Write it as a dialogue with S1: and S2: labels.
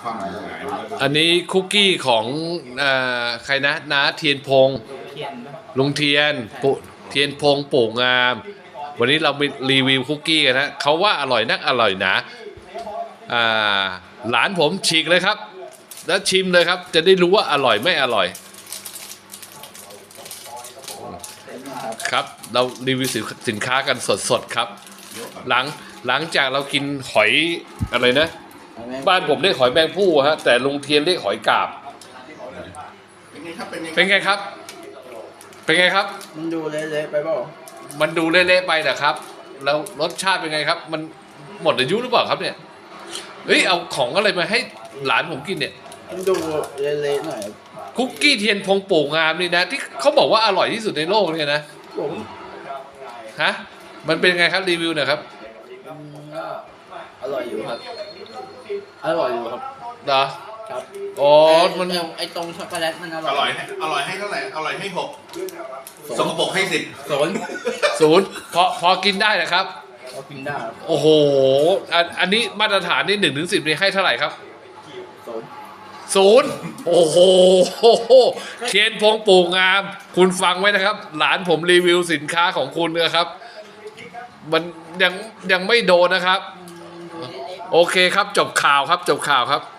S1: ความหมาย
S2: อันนี้คุกกี้ของใครนะน้าเทียนพงษ์ลุงเทียนปุเทียนพงษ์ปู่งาม วันนี้เราไปรีวิวคุกกี้กันนะเขาว่าอร่อยนักอร่อยหนาหลานผมฉีกเลยครับ แล้วชิมเลยครับ จะได้รู้ว่าอร่อยไม่อร่อยครับเรารีวิวสินค้ากันสดๆครับหลังจากเรากินหอยอะไรนะบ้านผมเรียกหอยแมงผู้ฮะแต่ลุงเทียนเรียกหอยกาบเป็นไงครับเป็นไงครับ
S3: มันดูเละๆไปเปล่า
S2: มันดูเละๆไปนะครับแล้วรสชาติเป็นไงครับมันหมดอายุหรือเปล่าครับเนี่ยเฮ้ยเอาของอะไรมาให้หลานผมกินเนี่ย
S3: มันดูเละๆหน่อย
S2: คุกกี้เทียนพงปู่งามนี่นะที่เขาบอกว่าอร่อยที่สุดในโลกเนี่ยนะ
S3: ผม
S2: ฮะมันเป็นไงครับรีวิวหน่อยครับ
S3: อร่อยอยู่ครับอร่อยอยู่ครับ
S2: เหรอ
S3: ครับ
S2: อ๋อมัน
S3: ไอตรงช็อกโกแลตมันอร่อย
S1: อร่อยให้เท่าไหร่อร่อยให้6สกปรกให้
S3: 10
S2: พอกินได้นะครับ
S3: พอกินได้
S2: โอ้โหอันนี้มาตรฐานนี่1 ถึง 10นี่ให้เท่าไหร่ครับ0โอ้โหเทียนพงปู่งามคุณฟังไว้นะครับหลานผมรีวิวสินค้าของคุณนะครับมันยังไม่โดนนะครับโอเคครับจบข่าวครับ